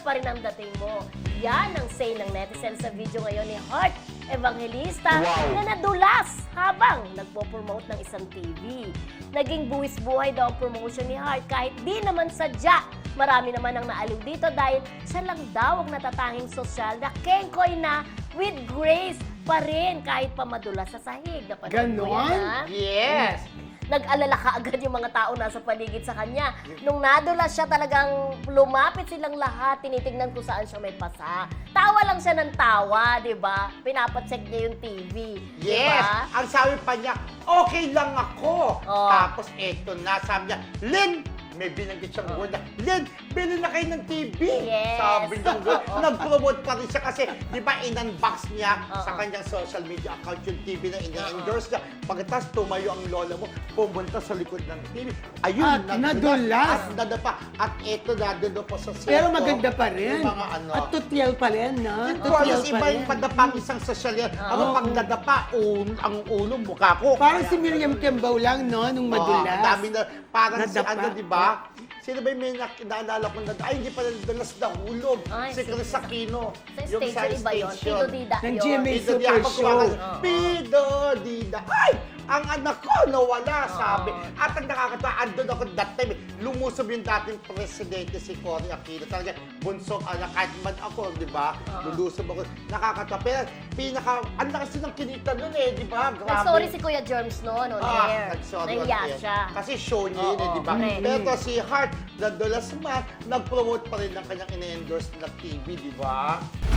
pa rin ang dating mo. Yan ang say ng netizen sa video ngayon ni Heart Evangelista na nadulas habang nagpo-promote ng isang TV. Naging buwis-buhay daw ang promotion ni Heart kahit di naman sadya. Marami naman ang naaliw dito dahil siya lang daw ang natatanging sosyal na kengkoy na with grace pa rin kahit pa madulas sa sahig. Napanood mo yan, ha? Yes! Nag-alala ka agad yung mga tao nasa paligid sa kanya. Nung nadulas siya, talagang lumapit silang lahat, tinitingnan kung saan siya may pasa. Tawa lang siya ng tawa, di ba? Pinapacheck niya yung TV. Yes! Diba? Ang sabi pa niya, okay lang ako. Oh. Tapos eto na, sabi niya, Lynn, may binanggit siyang word na, Lynn, bili na kayo ng TV. Yes. Sabi niya, nag-promote pa rin siya kasi, di ba, in-unbox niya sa Oo. kanyang social media account yung TV na ina-endorse niya. Pagkatapos tumayo ang lola mo, pumunta sa likod ng TV. Ayun, At nadulas. At nadapa. At eto, nadulo po sa cellphone. Pero maganda pa rin. Yung mga ano. At tutyal pa rin, no? Tutyal iba yung padapa ang isang social yan. Ako pag nadapa, ang ulo, mukha ko. Parang si Miriam Kembaw lang, no? Nung madulas. Ang dami na, parang si Nadapa. ano, di ba? Sino ba yung may naalala ko na, ay, hindi pala nadalas na hulog. Ay, Si Chris Aquino. Sa station, iba yun. Pido Dida Ng yun. GMA Pido Super Dida. Show. Pido Dida. Ay! Ang anak ko nawala, sabi. At ang nakakatawa, andun ako that time, lumusob yung dating presidente si Cory Aquino. Talaga, bunsong anak, kahit man ako, di ba? Lulusob ako. Nakakatawa. Pero ang lakas din ng kinita nun eh, di ba? Grabe. Nag-sorry si Kuya Germs noon on air. Nag-sorry on Nahiya air. siya. Kasi show niya yun, eh, Oo, di ba? correct. Pero si Heart, nadulas man, nag-promote pa rin ng kanyang ina-endorse na TV, di ba?